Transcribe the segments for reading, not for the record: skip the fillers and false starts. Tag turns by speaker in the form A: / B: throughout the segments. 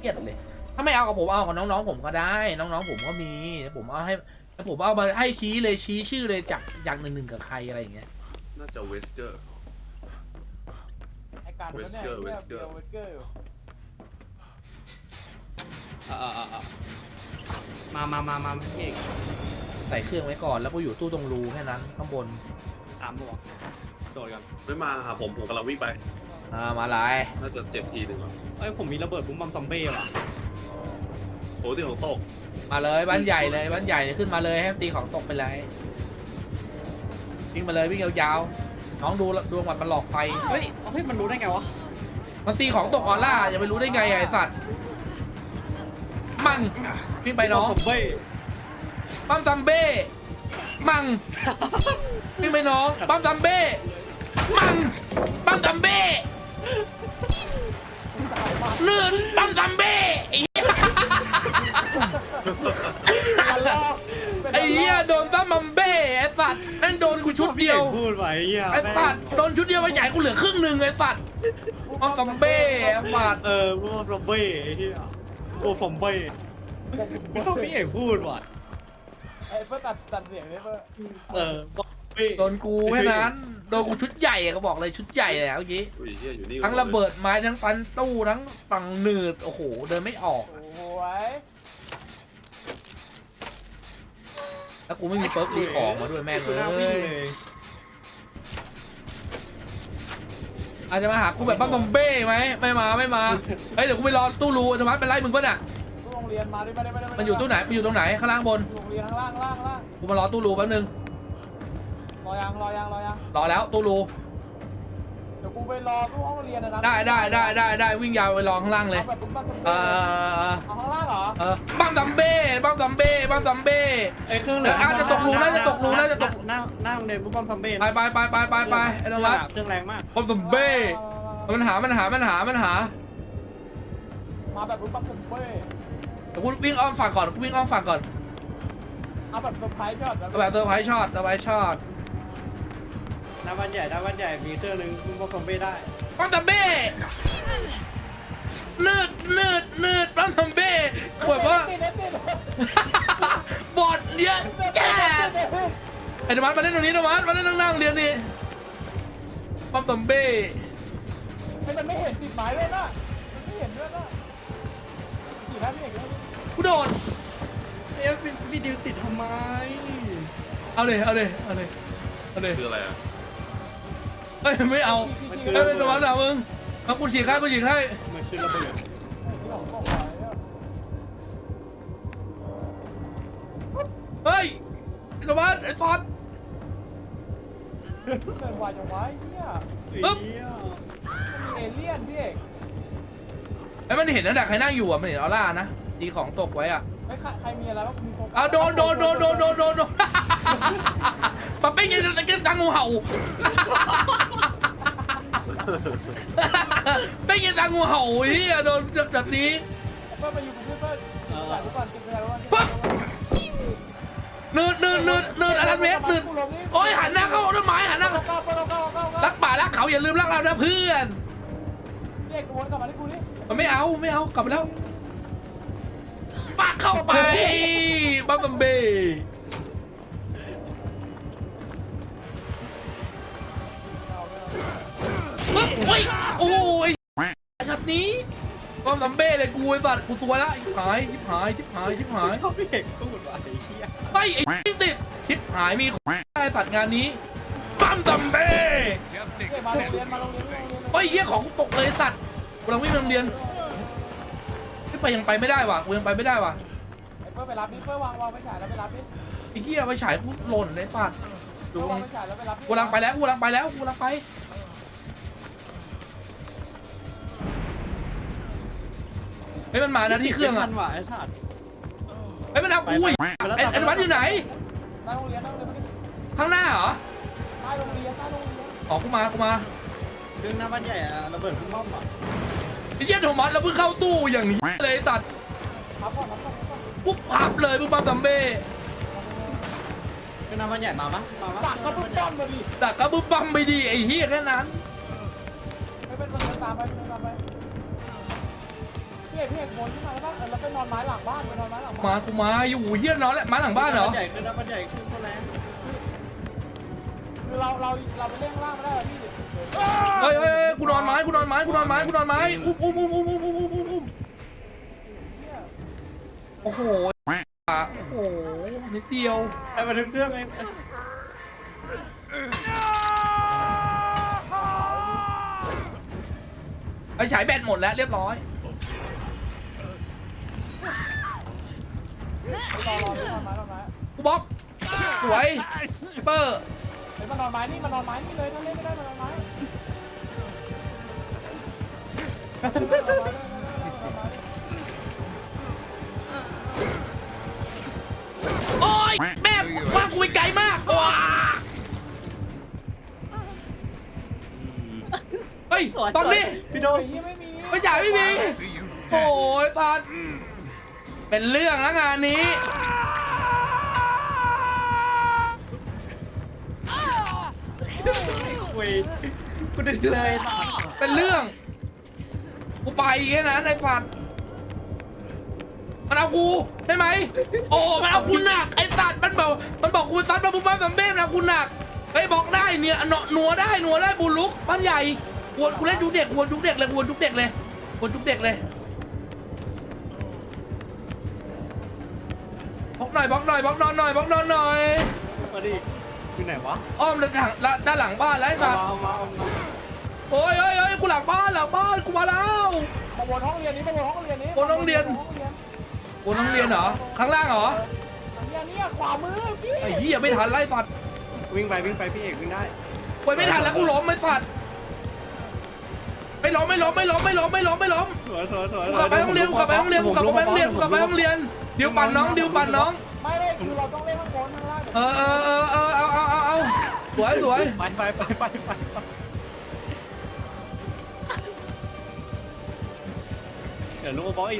A: เกลียดเลยถ้าไม่เอากับผมเอากับน้องๆผมก็ได้น้องๆผมก็มีผมเอาให้ผมเอามาให้ชี้เลยชี้ชื่อเลยจากอย่างหนึ่งกับใครอะไรอย่างเงี้ย
B: น่าจะเวสเกอร์
C: ไอการก็เนี่ยเวสเกอร์อยู่
D: มาพี่เอก
A: ใส่เครื่องไว้ก่อนแล้วก็อยู่ตู้ตรงรูแค่นั้นข้างบน
D: ตามบอกโดดกัน
B: ไม่มาหาผมกำลังวิ่งไป
A: มาไล่
B: น่าจะเจ็บทีหนึ่ง
D: ผมมีระเบิดบุ้มบัมซอมเบ้ว่ะ
B: โอ้ที่ของตก
A: มาเลยบ้านใหญ่เลยบ้านใหญ่ขึ้นมาเลยให้ตีของตกไปเลยวิ่งมาเลยวิ่งยาวๆน้องดูมันหลอกไฟ
D: เฮ้ยมันรู้ได้ไงวะ
A: มันตีของตกออร่าอย่าไปรู้ได้ไงไอ้สัตว์มั่งวิ่งไปน้องปั๊มซัมเบ้มั่งวิ่งไปน้องปั๊มซัมเบ้มั่งปั๊มซัมเบ้เลื่อนปั๊มซัมเบ้ไอ้เหี้ยโดนซัมบัมเบ้ไอ้สัตว์นั่นโดนกูชุดเดียว
D: พูดไว้
A: ไอ้สัตว์โดนชุดเดียวไปใหญ่กูเหลือครึ่งหนึ่งไอ้สัตว์ปั๊มซัมเบ้ไอ้สัตว์
D: ปั๊มซัมเบ้ไอ้เหี้ยโอ้ซัมเบ้ไม่ต้องพี่เอกพูดว่ะ
C: ไอ้เพื่อตัดเสียงเลยเพื่อ
A: โดนกูแค่นั้นโดนกูชุดใหญ่ก็บอกเลยชุดใหญ่เลยเมื่อกี้ทั้งระเบิดไม้ทั้งปันตู้ทั้งฝั่งหนืดโอ้โหเดินไม่ออก
C: โอ้ย
A: แล้วกูไม่มีเปิร์กรีของมาด้วยแม่งเลยอาจจะมาหากูแบบบ้าบอมเบ้ไหมไม่มาเฮ้ยเดี๋ยวกูไปรอตู้รูธรรมะเป็นไรมึงป่ะน่ะ
C: ตู้โรงเรียนมาด้วย
A: มันอยู่ตู้ไหนมันอยู่ตรงไหนข้างล่างบน
C: โรงเรียนข้างล่าง
A: กูมารอตู้รูแป๊บนึง
C: รอยัง
A: รอแล้วตู้รู
C: เดี๋ยวกูไปรอตู้ห้องเรียนนะ
A: ได้วิ่งยาวไปรอข้างล่างเลย
C: เอาข้างล่างเหรอ
A: บ้ามซัมเบ้
D: ไอ้เครื่อง
A: น่าจะตกรูน่าจะตก
D: หน้าโรงเรียนบุ้มบัมซัมเบ้
A: ไปไอ้น้องรัก
D: เครื่องแรงมาก
A: บ้ามซัมเบ้มันหา
C: มาแบบบุ้มบัมซัมเบ้
A: เดี๋ยวกูวิ่งอ้อมฝั่งก่อน
C: เอาแบบเซอร์ไพรส์ช็อต
A: แบบเซอร์ไพรส์ช็อต
D: หน้าบ้านใหญ่มีเครื่องนึงบุ้มบัมซัมเบ้ได้
A: บ้ามซัมเบ้เนืดบ้ามซัมเบ้แบบว่าบอดเยอะแก่ไอ้ธรรมะมาเล่นตรงนี้ธรรมะมาเล่นนั่งเรียนนี่บ้ามซัมเบ้
C: ให้มันไม่เห็นติดหมายเลยนะมันไม่เห็นด้วยนะกี่ท่านพี่เอก
A: กูโดน
D: พี่ดิวติดทำไม
A: เอาเลย
B: คืออะไร
A: เฮ้ยไม่เอาไม่เป็นตัวหนามึงมากูฉีกให้
D: มันคือระเบิด
A: เฮ้ยไอ้ตัวบ้านไอ้ซอส
C: เกินวายจังวะเนี่ย
A: ปึ๊บ
C: มีเอเลี่ยนพี่เอก
A: ไอ้มันเห็นนะแต่ใครนั่งอยู่อ่ะมันเห็นออร่านะตีของตกไว้อ่ะ
C: ใครมีอะไรบ้างมีโฟกั
A: สโดนปะเป้งยังจะกินตังงูเห่าเป้งยังตังงูเห่าอีอ่ะโดนจัดนี้
C: เพื่อนมาอยู่กับเพื่อนจ่ายทุกวันกินไปแล้ว
A: ปั๊บเนินอะไรเวฟโอ้ยหันหน้าเข้าต้นไม้หันหน้ารักป่ารักเขาอย่าลืมรักเรานะเพื่อน
C: เรียกวนกลับมาที่กูนี่
A: มันไม่เอากลับไปแล้วปักเข้าไปบัมบัมเบ้โอ้ยชัดนี้บัมบัมเบ้เลยกูไอ้สัตว์กูสวยละชิบหาย
D: เขาพี่เอกพูดว่าไอ้เหี้ย
A: ไอ้ติดชิบหายมีไอ้สัตว์งานนี้บัมบัมเบ้โอ้ยเหี้ยของตกเลยสัตว์กำลังวิ่งไปโรงเรียนยังไปไม่ได้ว่ะกูยังไปไม่ได้ว่ะ
C: ไอ้เพื่อไปรับนี่เพื่อวางไปฉายแล้วไปรับนี่
A: ไอ้เหี้ยไปฉายกูหล่นไอ้สัตว์
C: ดูไปฉายแล้วไปรับ
A: กูลังไปเฮ้ยมันมานะที่เครื่องอ่ะ
D: ไอ้สัตว์
A: เฮ้ยมันเอากูไอ้วัดอยู่ไหน
C: ใต้โรงเรียน
A: ข้างหน้าเหรอ
C: ใต้โรงเรียน
A: อ๋อกูมา
D: เครื่องหน้าบ้านใหญ่ระเบิดพุ่งม่อมอ่ะ
A: ไอ้เหี้ยโทมัสแล้วเพิ่งเข้าตู้อย่างนี้เลยตัดปุ๊บพับเลยปุ๊บปั๊มซัมเบ้
D: คือน้ำมันใหญ่มา
C: ดักก็ปุ๊บปั๊มมาดิ
A: ดักก็ปุ๊บปั๊มไปดิไอ้เหี้ยแค่นั้น
C: ไม่เป็นตามไปพี่เอกวนขึ้นมาแล้วป่ะแล้วไปนอนไม้หลังบ้านไปนอนไม้หลังบ้าน
A: มากูมาอยู่เฮียนอนแล้วมาหลังบ้านเหรอ
D: ใหญ่ขึ้นนะมันใหญ่ขึ้นก็แรง
C: คือเราไปเล่นข้างล่างไม่ได้หรอพี่
A: เฮ้ยกูนอนไม้อุ้มโอ้โหโอ้โหนิดเดียว
D: ไอ้มันเครื่องไง
A: ไอ้ฉายแบตหมดแล้วเรียบร้อย
C: รอนอนไม้
A: กูบล็อกสวยเปอร์
C: เฮ้ยมันนอนไม้นี่มันนอนไม้นี่เลยถ้าเล่นไม่ได้มันนอนไม้
A: โอ้ยแม่ว่ากูไปไกลมากว้าเฮ้ยตอนนี้
D: พี่โด
C: โอ้ยไม่มี
A: ไม่จ่ายไม่มีโอ้ยสัตว์เป็นเรื่องแล้วงานนี้
D: คุยกูดึงเลย
A: เป็นเรื่องกูไปแค่นั้นไอ้สัตว์มันเอากูใช่ไหมโอ้มันเอากูหนักไอ้สัตว์มันบอกกูซัดมาบุ้มบ้ามสัมเบ้นะกูหนักเฮ้ยบอกได้เนี่ยหนัวได้บุลุกบ้านใหญ่วนกูเล่นยุคเด็กวนยุคเด็กเลยวนยุคเด็กเลยบล็อกหน่อยนอนหน่อย
D: มาดิอยู่ไหนวะ
A: อ้อมด้านหลังบ้านแล้วไอ้สัตว์
D: เอามา
A: โอ้ยกูหลังบ้านกูมาแล้ว
C: มาวนห้องเรียนนี้วนห้องเรียน
A: วนห้องเรียนเหรอข้างล่างเหรอ
C: เนี่ยขวามือพี่
A: ไอ้เหี้ยไม่ทันไล่สัตว์
D: วิ่งไปพี่เอกวิ่งได้
A: ไปไม่ทันแล้วกูล้มไอ้สัตว์ไม่ล้ม
D: สวย
A: กูกลับไปห้องเรียนเดี๋ยวปั่นน้อง
C: ไม่คือเราต้องเล่นข้างบนข้างล่าง
A: เอาสวย
D: ไปเดี๋ยวลุงมาบล็อกอีก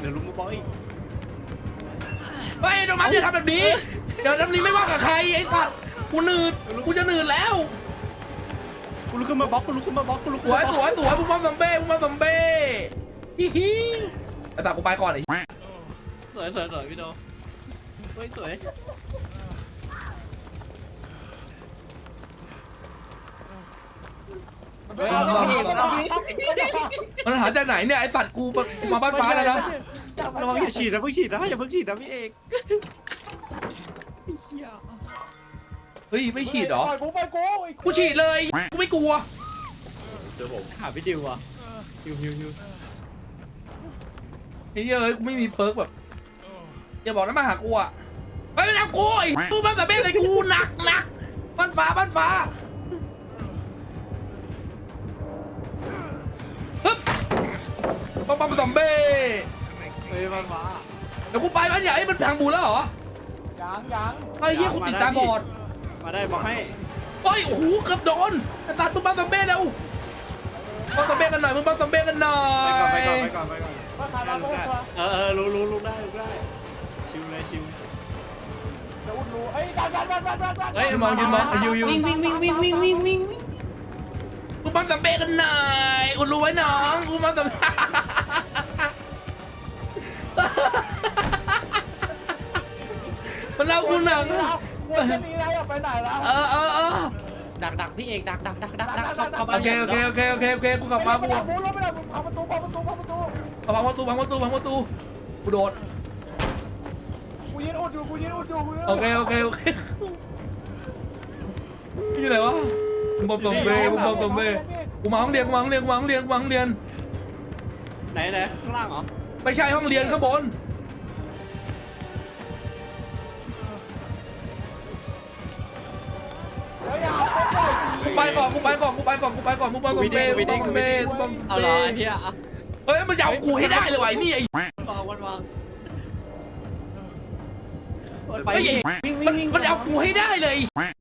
A: เฮ้ยโดมัสอย่าทำแบบนี้เดี๋ยวทำนี้ไม่ว่ากับใครไอ้สัตว์กูจะหนืดแล้ว
D: กูลุกขึ้นมาบล็อก
A: สวยบุ้มบ้ามซัมเบ้ฮิฮิไอ้สัตว์กูไปก่อนไอ้
D: สวยพี่โดเฮ้ยสวย
A: มันหาจากไหนเนี่ยไอ้สัตว์กูมาบ้านฟ้าแล้วนะ
D: ระวังอย่าฉีดนะเพิ่งฉีดนะอย่าเพิ่งฉีดนะพี่เอกเฮีย
A: เฮ้ยไม่ฉีดเหรอ
C: ไปกู
A: กูฉีดเลยกูไม่กลัว
B: เจอผม
D: หาพี่ดิวอ่ะฮิว
A: ไอ้เหี้ยเอ้ยกูไม่มีเพิร์กแบบอย่าบอกนะมาหากูอ่ะไม่เป็นเอากูไอ้กูบ้านซัมเบ้ใส่กูหนักบ้านฟ้าฮึบบ้านซัมเบ้
D: เฮ้ยมันมา
A: เดี๋ยวกูไปบ้านใหญ่มันทางบูแล้วเหรอ
C: ยัง
A: ไอ้เหี้ยกูติดตาบอด
D: มาได้บอกให้
A: โอ้ยโอ้โหเกือบโดนไอ้สัตว์มึงบ้านซัมเบ้เร็วบ้านซัมเบ้กันหน่อย
D: ไปก่อน
C: มาขายมาพวกตัว
D: รู้ได้ชิวเลย
C: จะอุ่นรู้เอ้ยดัน
D: เฮ้ย
A: ยืนมองยู
D: วิ่ง
A: มึงบ้านซัมเบ้กันหน่อยอุดรู้ไว้น้องกูบ้านซัมเบ้ มันเอากูหนัก
C: วนจะมีอะไรออกไปไหนแล้ว
D: ดักพี่เอกดัก
A: โอเคกูกลับมากู
C: ไม่ได้พังประตู
A: พังประตูกูโดด
C: กูยืนอุดอยู่
A: โอเคนี่อะไรวะมึงบอมซัมเบ้กูมาห้องเรียน
D: ไหนข้างล่างเหรอ
A: ไม่ใช่ห้องเรียนข้างบนกูไปก่อนมึงบอมซัมเบ้
D: เอาเหรอไอ้เหี้ย
A: เฮ้ยมันจะเอากูให้ได้เลยวะนี่ไอ้
D: วางไป
A: เฮ้ยมันจะเอากูให้ได้เลย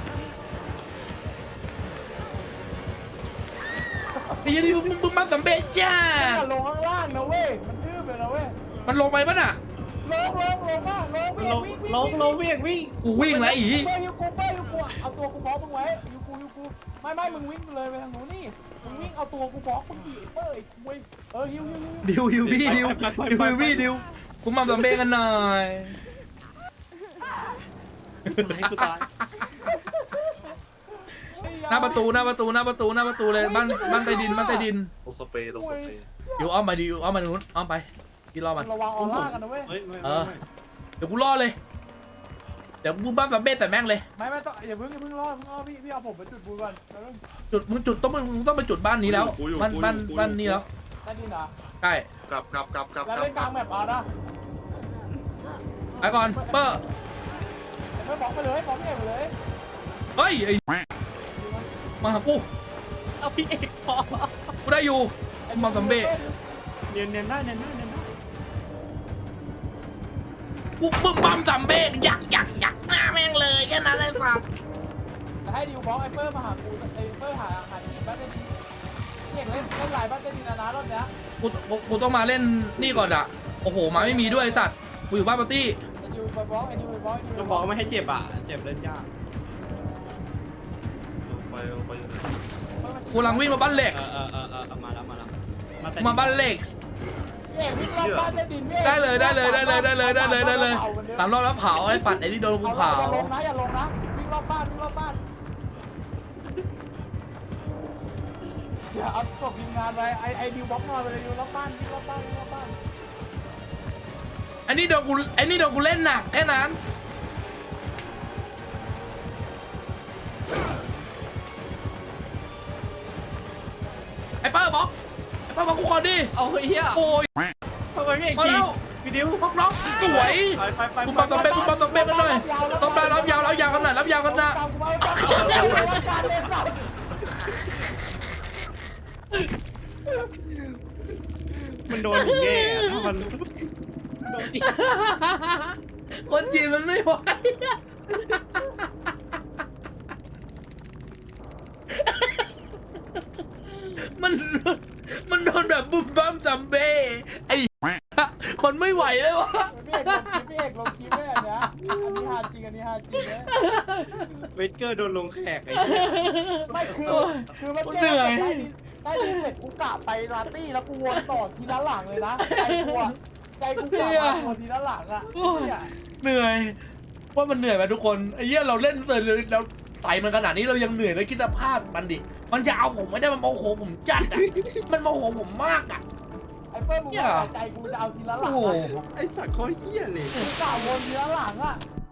A: ไอ้ยันนี่มึงมาสัมเบจ้า
C: ลงข้างล่างนะเว้ยมันทืบเลยนะเว้ย
A: มันลงไปปะน่ะ
C: ลงวิ่ง
A: กูวิ่งแล้วอี
C: เป้ยูกูเอาตัวกูบล็อกมึงไว้ยูกูไม่มึงวิ่งเลยไปทางนู้นนี่มึงวิ่งเอาตัวกูบล็อกมึงดิเป้ยกูฮิว
A: ดิวพี่ดิวพี่ดิวคุณมัมซัมเบ้กันหน่อย
D: กูตาย
A: หน้าประตูเลยบ้านใต้ดิน
B: ตรงสเปรย์
A: อยู่อ้อมมาดิอยู่อ้อมมานู้นอ้อมไปพี่รอมัน
C: ระวังออร่ากันนะเว้ย
D: เฮ้ยไม่
A: เดี๋ยวกูรอเลยเดี๋ยวกูบ้านซัมเบ้ใส่แม่งเลย
C: ไม่ต้องอย่าเพิ่งรอพี่เอาผมไปจุดบูก่อน
A: จุดมึงต้องไปจุดบ้านนี้แล้วบ้านนี้แล้ว
C: ได้ดีนะ
A: ใช่
B: กลับ
C: แล้วเล่นกลางแมปเอานะ
A: ไปก่อนเปอร์
C: ไม่บอกไปเลยบอกพี่เอกไปเลย
A: เฮ้ยไอ้มาหากู
D: เอาพี่เอกพอ
A: กูได้อยู่มัมซัมเบ้
D: เนียนได้
A: กูบึ้มบัมซัมเบ้อยากหน้าแม่งเลยแค่นั้นเลยครับ
C: จะให้ดิวบอกไอ้เปิ้ลมาหากูไอ้เปิ้ลหาทีบ้านได้ดีพี่เอกเล่นหลายบ้านได้ดีนะรอบเนี้ย
A: กูต้องมาเล่นนี่ก่อนอะโอ้โหมาไม่มีด้วยไอ้สัตว์กูอยู่บ้านปาร์ตี้
C: ไอ้ดิวไปบล็อกไอ้ดิวไปบล็อก
D: ก็บอกไม่ให้เจ็บอ่ะเจ็บเล่นยาก
B: ลงไปอยู่ไหน
A: กูกำลังวิ่งมาบ้านเล็กซ์
D: มาแล้ว
A: มาบ้านเล็กซ์
C: พี่เอกวิ่งรอบบ้านได้ดิน
A: ได้เลย3 รอบแล้วเผาไอ้ฝัดไอ้ที่โดนกูเผา
C: อย่าลงนะวิ่งรอบบ้านอย่าเอาศพทีมงานไปไอ้ดิวบล็อกนอนไปเลยดิวรอบบ้าน
A: ไอ้นี่โดนกูเล่นหนักแค่นั้นไอ้เปิ้ลบอกกูก่อนดิ
D: เอาเฮีย
A: โอ้ย
D: ทำไมพี่เอก
A: พอ
D: ยิ
A: แล้
D: ง
A: ว
D: พี่ดิว
A: พวกน้องสวย
D: ไป
A: คุณมาตอมเบ้กันหน่อยต้องได้รับยาวกันหน่อยรับยาวกันนะ
D: มันโดนอย่างเงี้ยมันโดนอีก
A: คนจีนมันไม่ไหวมันโดนแบบบุ้มบ้ามซัมเบ้ไอ้มันไม่ไหวเลยวะ
C: พี่เอกลงคลิปด้วยอันเนี้ยอันนี้ฮาจริงเลย
D: เวสเกอร์โดนลงแขกไอ้
C: ไม่คือมันได้ดีเสร็จกูกะไปลาตี้แล้วกูวนต่อทีละหลังเลยนะใจกูกะมาวนทีละหลังอ่ะ
A: เหนื่อยว่ามันเหนื่อยไหมทุกคนไอ้เหี้ยเราเล่นเสร็จเลยเราไต่มันขนาดนี้เรายังเหนื่อยเลยคิดสภาพมันดิมันจะเอาผมไม่ได้มันโมโหผมจัดอ่ะมันโมโหผมมากอ่ะ
C: ไอ้เปิ้ลมึงใจกูจะเอาทีละหลัง
A: โอ้โห
D: ไอ้สัตว์เขาเฮี้ยเลย
C: กูกะวนทีละหลังอ่ะ